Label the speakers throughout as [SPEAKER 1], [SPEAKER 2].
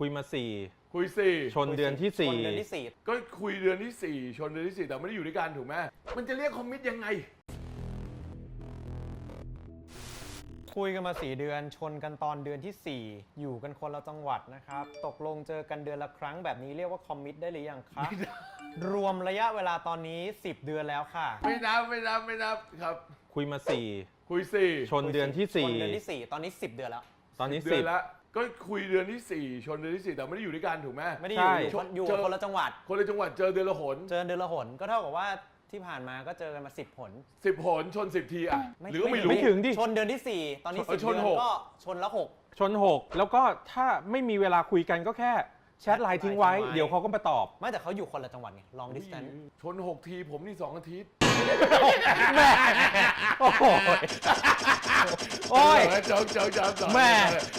[SPEAKER 1] คุยมา4
[SPEAKER 2] คุย4
[SPEAKER 1] ชนเดือนที่
[SPEAKER 3] ชนเดือนที่
[SPEAKER 2] ก็คุยเดือนที่4ชนเดือนที่4แต่ไม่ได้อยู่ด้วยกันถูกไหมมันจะเรียกคอมมิตยังไง
[SPEAKER 3] คุยกันมา4 เดือนชนกันตอนเดือนที่ 4อยู่กันคนละจังหวัดนะครับตกลงเจอกันเดือนละครั้งแบบนี้เรียกว่าคอมมิตได้หรือยังคะรวมระยะเวลาตอนนี้10 เดือนแล้วค่ะ
[SPEAKER 2] ไม่นับครับ
[SPEAKER 1] คุยมา
[SPEAKER 2] คุย
[SPEAKER 1] 4ชนเดือนที่
[SPEAKER 3] ชนเดือนที่4ตอนนี้10 เดือนแล้ว
[SPEAKER 1] ตอนนี้
[SPEAKER 2] เดือนละก็คุยเดือนที่4ชนเดือนที่4แต่ไม่ได้อยู่ด้วยกันถูกไหม
[SPEAKER 3] ไม่ได้อยู่คนละจังหวัด
[SPEAKER 2] เจอเดือนละหน
[SPEAKER 3] ก็เท่ากับว่าที่ผ่านมาก็เจอกันมา10 หน
[SPEAKER 2] 10 หนชน10 ทีอ่ะหรือก็ไม่รู้
[SPEAKER 1] ไม่ถึงดิ
[SPEAKER 3] ชนเดือนที่4ตอนนี้10 เดือนก็ชนละ6
[SPEAKER 1] ชน6แล้วก็ถ้าไม่มีเวลาคุยกันก็แค่แชทไลน์ทิ้งไว้เดี๋ยวเขาก็มาตอบ
[SPEAKER 3] ไม่แต่เขาอยู่คนละจังหวัดไง long distance
[SPEAKER 2] ชน6 ทีผมนี่2 อาทิตย์
[SPEAKER 1] แม่โอ้โหโอ้ย
[SPEAKER 2] จอง
[SPEAKER 1] แม่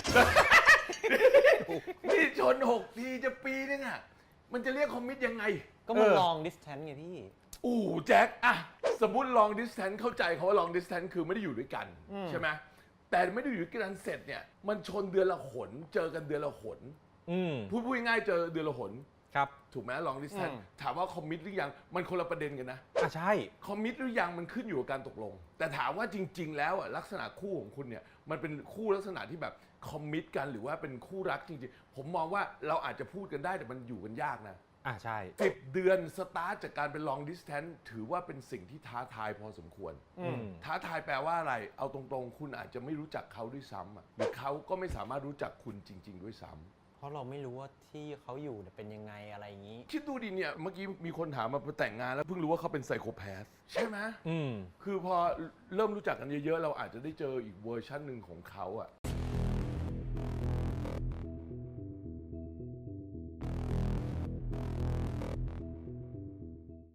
[SPEAKER 2] นี่ชน6 ทีจะปีนึงอ่ะมันจะเรียกคอมมิตยังไง
[SPEAKER 3] ก็มัน long distance ไงพี่
[SPEAKER 2] แจ็คอะสมมุติ long distance เข้าใจเขาว่า long distance คือไม่ได้อยู่ด้วยกันใช่ไหมแต่ไม่ได้อยู่ด้วยกันเสร็จเนี่ยมันชนเดือนละหนเจอกันเดือนละหนพูดง่ายๆเจอเดือนละหน
[SPEAKER 1] ครับ
[SPEAKER 2] ถูกไหม long distance ถามว่าคอมมิตหรือยังมันคนละประเด็นกันนะ
[SPEAKER 1] ใช่
[SPEAKER 2] คอมมิตหรือยังมันขึ้นอยู่กับการตกลงแต่ถามว่าจริงๆแล้วลักษณะคู่ของคุณเนี่ยมันเป็นคู่ลักษณะที่แบบคอมมิตกันหรือว่าเป็นคู่รักจริงๆผมมองว่าเราอาจจะพูดกันได้แต่มันอยู่กันยากนะ
[SPEAKER 1] ใช่
[SPEAKER 2] 10 เดือนสตาร์ทจากการเป็น long distance ถือว่าเป็นสิ่งที่ท้าทายพอสมควรท้าทายแปลว่าอะไรเอาตรงๆคุณอาจจะไม่รู้จักเขาด้วยซ้ำหรือเขาก็ไม่สามารถรู้จักคุณจริงๆด้วยซ้ำ
[SPEAKER 3] เพราะเราไม่รู้ว่าที่เขาอยู่เป็นยังไงอะไรอย่างนี้
[SPEAKER 2] คิดดูดิเนี่ยเมื่อกี้มีคนถามมาแต่งงานแล้วเพิ่งรู้ว่าเขาเป็นไซโคแพสใช่ไหมคือพอเริ่มรู้จักกันเยอะๆเราอาจจะได้เจออีกเวอร์ชันหนึ่งของเขา